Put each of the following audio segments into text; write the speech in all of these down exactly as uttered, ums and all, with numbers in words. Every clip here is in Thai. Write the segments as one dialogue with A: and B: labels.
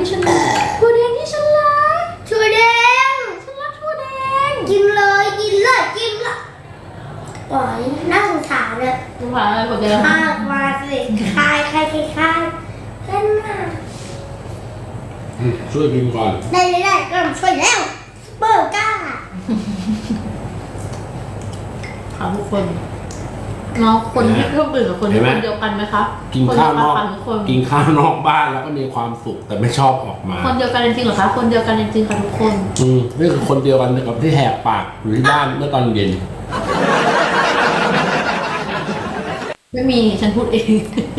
A: ที่ฉันรักถั่วแดงที่ฉันรัก
B: ถั่วแดง
A: ฉันรักถั่วแดง
B: กินเลยกินเลยกินเลยปล่อยน่าสงสารเลย
A: สงสารอะไรถั่วแดง
B: มากมาสิคายคายคายคายเล่นมาก
C: ช่วยกินก่อน
B: ได้ได้ได้ก็ช่วยแล้วเปิดก้า
A: ค่ะทุกคนน้องคนที่เพิ่มบื่นกับคนที่คนเดียวกันไหมคะ
C: กินข้าวนอก
A: คน
C: กินข้าวนอกบ้านแล้วก็มีความสุขแต่ไม่ชอบออกมา
A: คนเดียวกันจริงๆเหรอคะคนเดียวกันจริงๆค่ะทุกคน
C: อืมนี่คือคนเดียวกันกับที่แหกปากอยู่ที่บ้านเมื่อตอนเย็น
A: ไม่มีฉันพูดเอง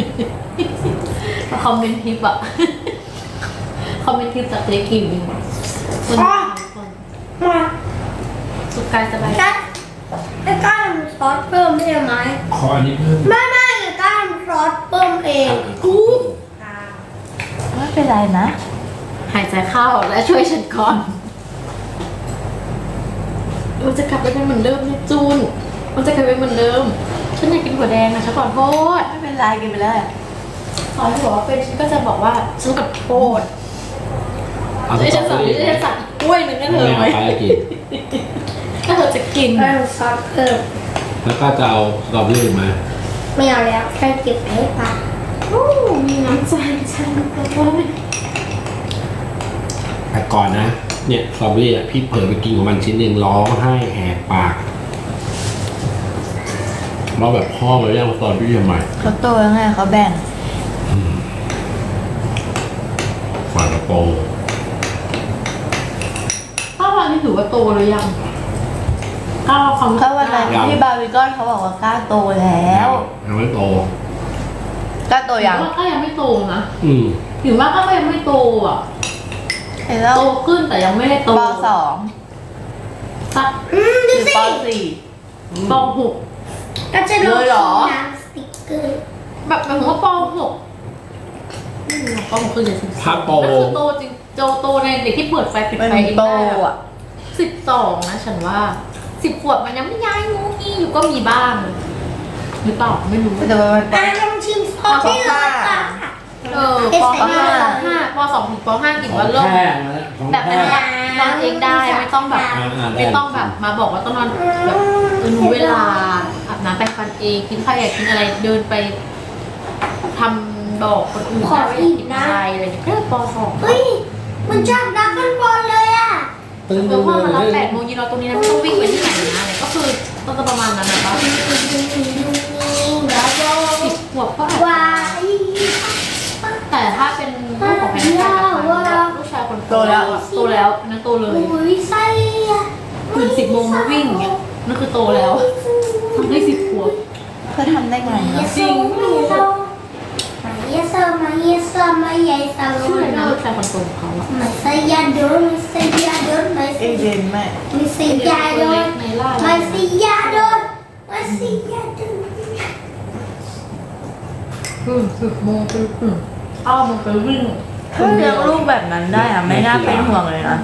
A: คอมเมนต์ทิปอะคอมเมนต์ทิปจากเจ๊กิมคนคน
B: มา
A: สุขกายสบาย
B: ได้ได้ก้านซอสเพิ่มได้ไหม
C: ขออันนี้เพิ่ม
B: ไม่ไม่ก้านซอสเพิ่มเองกู
A: ไม่เป็นไรนะหายใจเข้าและช่วยฉันก่อนมันจะกลับไปเป็นเหมือนเดิมนะจูนมันจะกลับไปเหมือนเดิมฉันอยากกินถั่วแดงนะฉันขอโทษไม่เป็นไรกินไปเลยขอให้บอกว่าเป็นฉันก็จะบอกว่าฉันขอโทษไอ้ฉันสั่งไอ้ฉันสั่งกล้วยหนึ่งให้เธอไหมถ้าเธอจะกิน
B: ก้านซอสเพิ่ม
C: แล้วก็จะเอาสตรอเบอรี่มา
B: ไม่เอาแล้วแค่เก็บให้ปะ
A: โอ้มีน้ำใจฉันก็ว่า
C: แต่ก่อนนะเนี่ยสตรอเบอรี่อ่ะพี่เผลอไปกินของมันชิ้นหนึ่งร้องไห้แหกปากเราแบบพ่อมาเรียกสตรอเบอรี่ทำไม
D: เขาโตยังไงเขาแบ่ง
C: ฝากระโปรง
A: ข้าววันนี้ถือว่าโตหรือยังข้าวความ
D: ข้าววันนั้นที่บาร์บีคอนเขาบอกว่ากล้าโตแล้ว
C: ยังไม่โต
D: กล้าโตยัง
A: ก็ยังไม่โตนะ
C: อืม
A: ถือว่าก็ยังไม่โตอ่ะโตขึ้นแต่ยังไม่ได้โต
D: ป.สอง
A: สัก
B: อืมดูสิ
D: ป.สี่
A: ป.หก
B: ก็จะดู
D: หรอ
B: สติ๊กเกอร์
A: แบบหมายถึงว่าป.หกป.หกคือเด็กสิบสองก็คือโตจริงโตโตในเด็กที่เปิดไฟปิดไฟเองได้อ่ะสิบสองนะฉันว่าสิบขวบมันยังไม่ย้ายงูงี้อยู่ก็มีบ้างหรือเปล่าไม่รู้
D: แต่ว่ามัน
B: อ่ะลองชิมซอสที่เลยค่ะ
A: เออป.ห้าห้าป.สองถึงป.ห้ากินว่าเริ่มแบบเป็นนอนเองได้ไม่ต้องแบบไม่ต้องแบบมาบอกว่าต้องนอนแบบรู้เวลาอาบน้ำแปรงฟันเองกินข้าวอยากกินอะไรเดินไปทำบอกคนอื่น
B: ขออีกนะ
A: อะไรอย่างเงี้ยแค่ป.สอง
B: เฮ้ยมันจากดักกันบอลเลยอ่ะ
A: เออพอมารับแปดโมงยืนรอตรงนี้นะไม่ต้องวิ่งไปที่ไหนนะก็คือต้องจะประมาณนั้นนะคะสิบขวบก็อาจจะแต่ถ้าเป็นลูกของแพนด้าลูกชายคนโตแล้วโตแล้วนั่นโตเลยตื่นสิบโมงมาวิ่งเนี่ยนั่นคือโตแล้วทำได้สิบขวบ
D: เพื่อทำได้ไง
A: จริง
B: มาเยสมาเยสมาเยส
A: ชื่อนะลูกชายคนโตของเขาอะ
B: มาเซียโดนมาเซียโดนมา
D: เอเดนแม่
B: มาเซียโดนมาเซียโดนมาเซียโดน
A: อืมสิบโมงไปอืมอ้าวมันไปวิ่ง
D: ถ้าเลี้ยงลูกแบบนั้นได้อะไม่น่าเป็นห่วงเลยนะ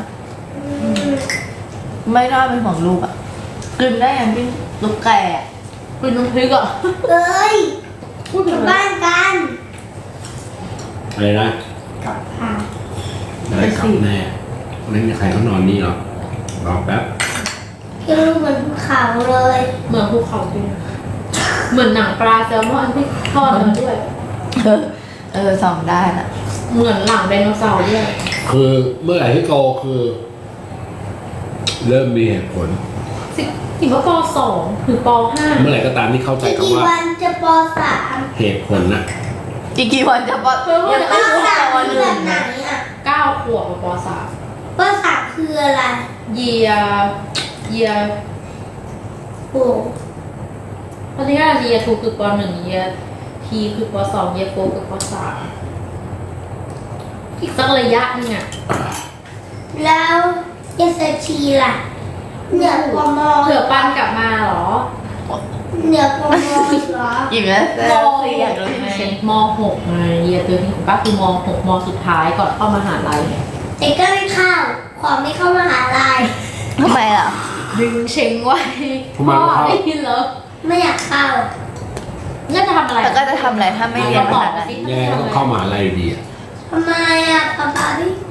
D: ไม่น่าเป็นห่วงลูกอะกินได้ยังกินลูกแก่
A: กินน้ำพริกอะ
B: เอ้ยพูดถึงบ้านกัน
C: อะไรนะกลับอะไรกลับแน่ไม่มีใครเขานอนนี่หรอกรอแป๊บ
B: ยังรู้เหมือนภูเขาเลย
A: เหมือนภูเขาจริงเหมือนหนังปลาแซลมอนที่ทอดมาด้วย
D: เออส่องได้นะ
A: เหมือนหลังไดโนเสาร์ด้วย
C: คือเมื่อไหร่ที่โตคือเริ่มมีเหตุผล
A: สิถึงว่าป.สองถึงป.ห้า
C: เมื่อไหร่ก็ตามที่เข้าใจคำว่า
B: กี่วันจะป.สาม
C: เหตุผลน่ะ
D: อีกกี่วันจะป.
B: ยังไม่รู้แต่วันแบบไหนอ่ะ
A: เก้าขวบกับป.สาม
B: ป.สามคืออะไร
A: เยียเยีย
B: โอ้
A: ตอนนี้ก็เยียทูคือป.หนึ่งเยียทีคือป.สองเยียโฟคือป.สามอีกสักระยะนึงอ่ะ
B: แล้วเยสชีล่ะเหนือกมอ
A: เผื่อปันกลับมาหรอ
B: เหนือกมอหรอ
D: อีกแล้ว
A: ม.หกไงม.หกไงเยียตัวนี้ของป้าคือม.หกม.สุดท้ายก่อนเข้ามหาลัย
B: แต่ก็ไม่เข้าขอไม่เข้ามหาลัย
D: ทำไมล่ะ
A: ดึงเชงไว้พ่อได้ยินเหรอ
B: ไม่อยากเข้า
A: งั้นจะทำอะไร
D: แล้วก็จะทำอะไรถ้าไม่เรียนมหาลัย
C: ยังไงก็ต้องเข้ามหาลัยดีอ่ะ
B: ทำไมอ่ะป๊าป๊าพี่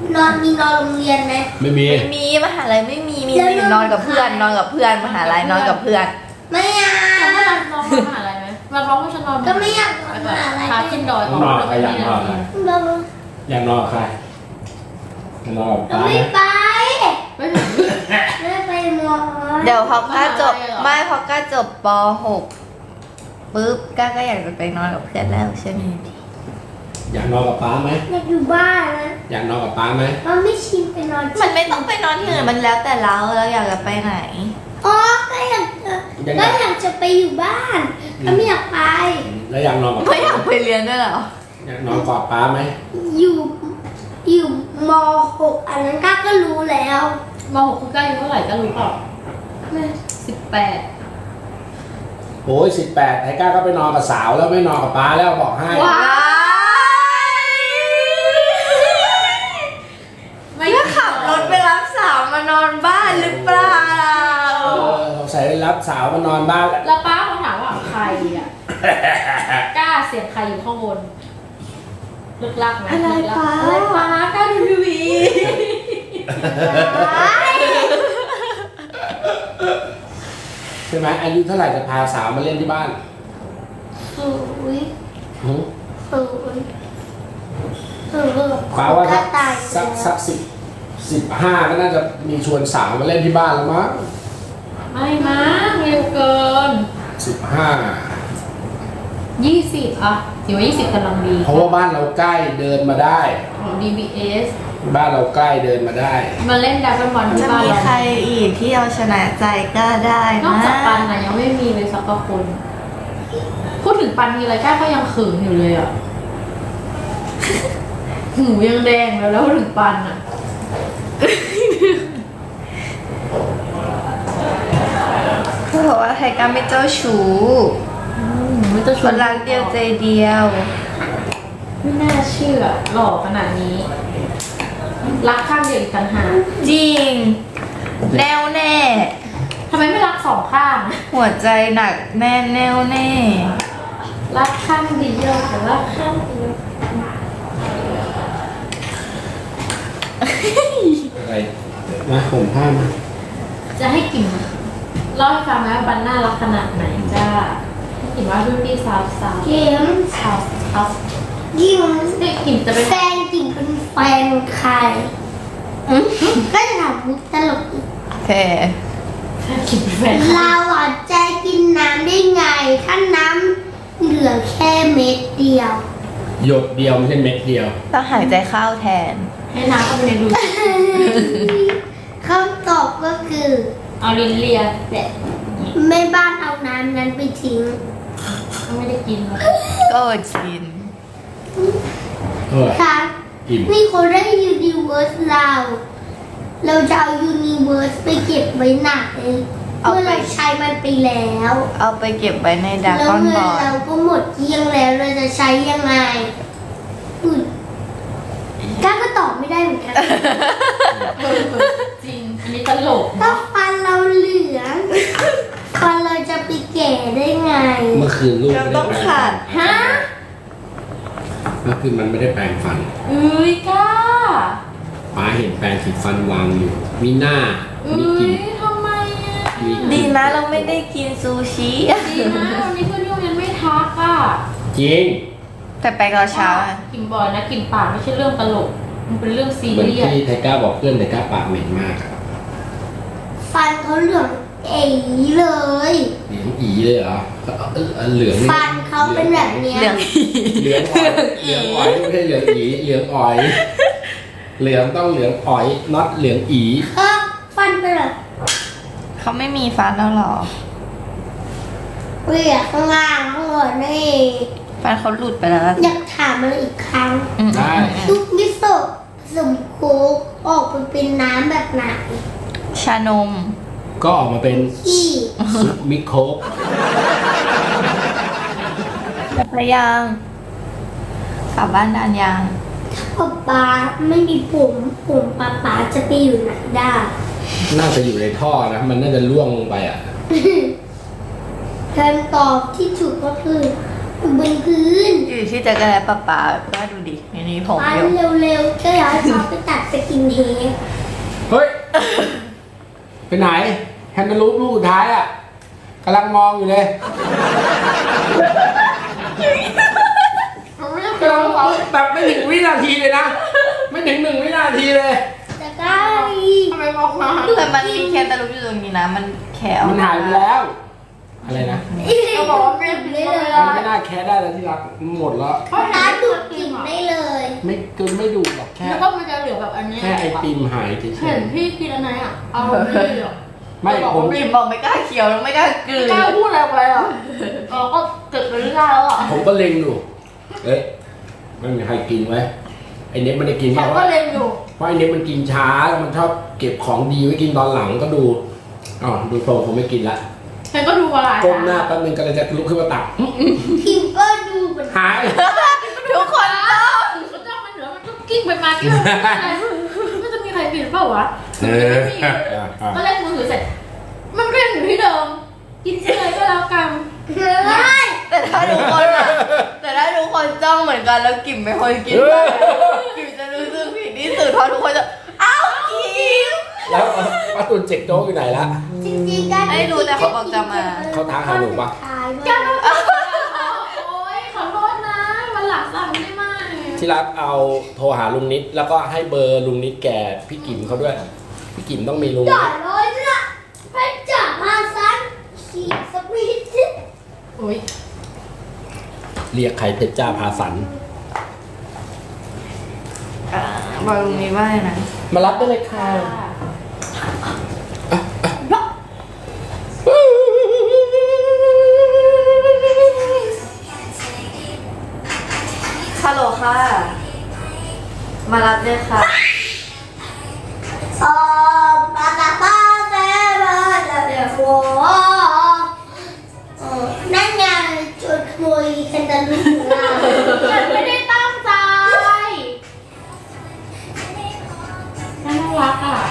B: นอนโรงเรียนไหม
C: ไม่มี
D: ไม่มีมหาลัยไม่มีมีมีนอนกับเพื่อนนอนกับเพื่อนมหาลัยนอนกับเพื่อน
B: ไม่อยา
A: แต่ถ้าก เรานอนมหาลัยไหมเราร้องว่าฉันนอน
B: ก็ไม่อยากนอนมหาลัย
A: พาขึ้นดอย
C: นอนกับใครอยากนอนกับใคร
B: เรา
C: อยากนอนกับใครอยากนอนกับ
B: เรา
C: ป้าไหม
B: ไม่ไป
A: ไม่ถึง
B: ไม่ไปหมอ
D: เดี๋ยวพอก้าจบ
A: มหาลัยเหรอ
D: ไม่พอก้าจบป หกปุ๊บก้าก็อยากจะไปนอนกับเพื่อนแล้วใช่ไหม
C: อยากนอนกับป้าไหม
B: อยากอยู่บ้านนะ
C: อยากนอนกับป้าไหม
B: เราไม่ชินไปนอน
D: มันไม่ต้องไปนอนที่อื่นมันแล้วแต่เราเราอยากจะไปไหน
B: อ๋อก็อยากจะก็อยากจะไปอยู่บ้านก็ไม่อยากไป
C: แล้วอยากนอนกับ
D: ไม่อยากไปเรียนด้วยเหรอ
C: อยากนอนกอดป้าไหม
B: อยู่อยู่ม หกอันนั้นก้าก็รู้แล้ว
A: มหกคือใกล้อายุเท่าไหร่ก็รู้เปล่าสิบแปด
C: โอ้ยสิบแปดไทก้าก็ไปนอนกับสาวแล้วไม่นอนกับป้าแล้วบอกให้
A: ว้ายไม่
D: แล้วขับรถไปรับสาวมานอนบ้านหรือเปล่า
C: เออสงสัยรับสาวมานอนบ้านแล้ว
A: แล้วป้าเขาถามว่าใครอ่ะ กล้าเสียงใครอยู่ข้างบนลึกลักไหม
D: อะไร
A: ลึกลัก
D: ป้า
A: อะไรป้ากล้าดูทีวี
C: ใช่ไหมอายุเท่าไหร่จะพาสาวมาเล่นที่บ้าน
B: ศูนย์
C: หือ
B: ศูนย์ศูนย์
C: ป้าว่า
B: ก็
C: สัก
B: ตาย
C: สักสักสิบสิบห้าก็น่าจะมีชวนสาวมาเล่นที่บ้านแล้วมั้ง
A: ไม่มั้งเร็วเกิน
C: สิบห้า
A: ยี่สิบอ่ะถือว่ายี่สิบกำลังดี
C: เพราะว่าบ้านเราใกล้เดินมาได้
A: ของ ดี บี เอส
C: บ้านเราใกล้เดินมาได้
A: มาเล่นดับเบิลบอลที่
D: จะ
A: บ้าน
D: มี
A: เรา
D: ใครอีกที่เอาชนะใจก็ได้
A: นอก
D: นะ
A: จากปันนะยังไม่มีเลยสักคน พูดถึงปันทีไรก้าก็ยังเขินอยู่เลยอ่ะ หูยังแดงแล้วแล้วพูดถึงปันอ่ะ
D: เขาบอกว่าไทก้าไม่เจ้าชู้
A: อืมไม่ต้องช
D: ค
A: วน
D: นรักเดียวใจเดียว
A: ไม่น่าเชื่อหล่อขนาดนี้ รักข้างเดียวอีกต่างหาก
D: จริง แน่วแน่
A: ทำไมไม่รักสองข้าง
D: หัวใจหนักแน่นแน่วแน่
A: รักข้างเดียวแต่รักข้างเดียว
C: อะไรนะผมผ้ามา
A: จะให้กิ่งเล่าให้ฟังไหมว่าปันน่ารักขนาดไหนจ้าให้กิ่งว่ารุ่นพี่สาวสาว
B: เกม
A: สาวสาว
B: ยิ่ง
A: เด็กกิ่งจะเป็น
B: แฟนจริงเป็นแฟนใครก็จะถามมุกตลกอีก
D: โอเค
A: กิ่งเป็นแฟน
B: เราอ่ะใจกินน้ำได้ไง ถ้าน้ำเหลือแค่เม็ดเดียว
C: หยดเดียวไม่ใช่เม็ดเดียว
D: ต้องหายใจเข้าแทน
A: ให้น้ำเข้าไปในรู
B: คำตอบก็คือ
A: เอาลิ้นเลีย
B: แบบแม่บ้านเอาน้ำนั้นไปทิ้ง
A: ก็ไม่ได้กินหรอก
D: ก็อดชิน
C: เออ
B: ค่ะ
C: อิ่ม
B: นี่คนได้ยูนิเวิร์สเรา เราจะเอายูนิเวิร์สไปเก็บไว้ไหนเมื่อเราใช้มันไปแล้ว
D: เอาไปเก็บไว้ในดรา
B: แล้ว
D: ก้อน
B: เงิ
D: บ
B: น
D: อล
B: เราก็หมดเกลี้ยงแล้วเราจะใช้ยังไงอุ๊ยก้าก็ตอบไม่ได้เหมือนกัน
A: เออจริง อันนี้ตลก
B: ถ้า
A: เนาะ
B: ฟันเราเหลืองฟันเราจะไปแก่ได้ไง
C: เมื่อคืนลูก
D: เรา
C: ไม่
D: ต้
C: ได้
D: อง
C: แปรง
D: ขา
C: ฟั
D: ด
C: น
A: ฮะ
C: เมื่อคืนมันไม่ได้แปรงฟัน
A: เอ้ยกล้า
C: ป้าเห็นแปรงสีฟันวางอยู่ มีหน้า
A: เอ้
C: มีกลิ่น
A: ยทำไมอ่ะ
C: มีกลิ่
D: ดีนะเราไม่ได้กินซูชิ
A: ดีนะวันนี้เพื่อนที่โรงเรียนไม่ทักอ่ะ
C: จริง
D: แต่ไปตอนเช้าอะ
A: กินบ่อยนะกินปากไม่ใช่เรื่องตลก มันเป็นเรื่องซี
C: เหมือน
A: เรียส
C: ที่ไทก้าบอกเพื่อนไทก้าปากเหม็นมากอะ
B: ฟันเขาเหลืองเอ๋เลย
C: เหลืองอีเลยเหรอเออเออเหลืองนี่
B: ฟันเขาเป็นแบบเนี้ย
D: เหลือง
C: เหลืองอ่อยเหลืองอ่อยไม่ใช่เหลืองอีเหลืองอ่อย เหลืองต้องเหลืองอ่อยน็อตเหลืองอี
B: เออฟันเป็นแบบ
D: เขาไม่มีฟันแล้วเหรอ
B: เปียกข้างล่างข้างบนนี่
D: ฟันเขาหลุดไปแล้วอะ
B: อยากถามมันอีกครั้ง
D: อืม
C: ได้
B: ซุปมิโซะผสมโค้กออกมาเป็นน้ำแบบไหน
D: ชานม
C: ก็ออกมาเป็น
B: ที่
C: ซุปมิโคก
D: ไปยังกลับบ้านนานยัง
B: ป๊าป๊าไม่มีผมผมป๊าป๊าจะไปอยู่ไหนได้
C: น่าจะอยู่ในท่อนะ มันน่าจะล่วงลงไปอ่ะ
B: คำตอบที่ถูกก็คืออยู่บนพื้น
D: อยู่ที่จักรแลปะป๋าก็ดูดินี่นี่ผม
B: ฟัน
D: อยู่
B: เร็วๆก็อยากให้เขาไปตัดสกินเฮด
C: เฮ้ย ไปไหนแฮนด์ลูปลูกสุดท้ายอ่ะกำลังมองอยู่เลยกำลังมองแบบไม่ถึงวินาทีเลยนะ ไม่ถึงหนึ่งวินาทีเลย
B: แต่ก็
A: ทำไมบอกมา
D: แต่มันมีแคนตาลูปอยู่ตรงนี้นะ มันแคะออก
C: มันหายไปแล้ว อะไรนะ
A: เขาบอกว่าไม่ได้เลย
C: มันไม่น่าแค่ได้แล้วที่รักหมดแล้ว
B: เพราะร้านดูดกลิ่นได้เลย
C: ไม่เกินไม่ดูหรอกแค่
A: แล้วก็มันจะเหลือแบบอันนี้
C: แค่ไอติมหายเฉย
A: เห็นพี่กินอันไหนอ่ะเอาไม่เหรอ
C: ๆไม่ผม
D: บีมบอกไม่กล้าเคี้ยวแล้วไม่กล้ากลืน
A: กล้าพูดอะไรไปอ่ะเราก็เกิดไปเรื่อยๆแล้วอ่ะ
C: ผมก็เล็งอยู่เอ๊ะไม่มีใครกินไว้ไอเน็ตมันได้กิน
A: ฉั
C: เปล่าน
A: ก็
C: วะ
A: เล็งอยู่
C: เพราะไอเน็ตมันกินช้าแล้วมันชอบเก็บของดีไว้กินตอนหลังก็ดูอ๋อดูโตผมไม่กินละ
A: ฉันก็ดูมาหลาย
C: ก้มหน้าแป๊บนึงก็เลยจะลุกขึ้นมาตักอื้อ
B: พิมก็ดูเหมือน
C: หาย
D: ทุกคนต้อง
A: ก็จ้องมันเหนือมันก็กิ้งไปมากิ้งไปมาไม่จะมีใครกินเปล่าวะ
C: เออ
A: ก็เล่นมือถือเสร็จ มันก็ยังอยู่ที่เดิม กินเลยก็แล้วกัน
B: ไม่
D: แต่ถ้าทุกคนอะแต่ถ้าทุกคนจ้องเหมือนกันแล้วกิ่มไม่ค่อยกินเลยกิ่มจะรู้สึกผิดที่สุดเพราะทุกคนจะอ้าวกิ่ม
C: แล้วป้าตุนเจ็กโจ๊กอยู่ไหนละ
B: จริงๆการ
D: ไม่รู้แต่เขาบอกจะมา
C: เขาท้าหาหนูปะ
B: ท้าย
A: จ้า
B: มา
A: โอ๊ยขอโทษนะวันหลังสั่งได้ไหม
C: ที่รักเอาโทรหาลุงนิดแล้วก็ให้เบอร์ลุงนิดแกพี่กิ๋มเขาด้วย พี่กิ๋มต้องมีลุง
B: จ่ายร้อยละไปจับมาซันขี่สปีด
A: โอ๊ย
C: เรียกใครเพชรจ้าพาสัน
D: อ่าบอกตรงนี้ว่าไงนะ
C: มารับได้เลยค่ะ
D: ฮัลโหลค่ะ มารับด้วยค่ะ
B: เออปาตาปาเซบาลาเดฟโวเออนั่นไงจุดขโมยแคนตาลูปของเรา
A: ฉันไม่ได้ตั้งใจน่ารักอ่ะ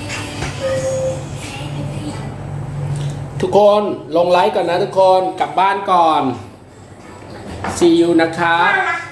C: ทุกคนลงไลฟ์ก่อนนะทุกคนกลับบ้านก่อน see you นะครับ
B: น่ารัก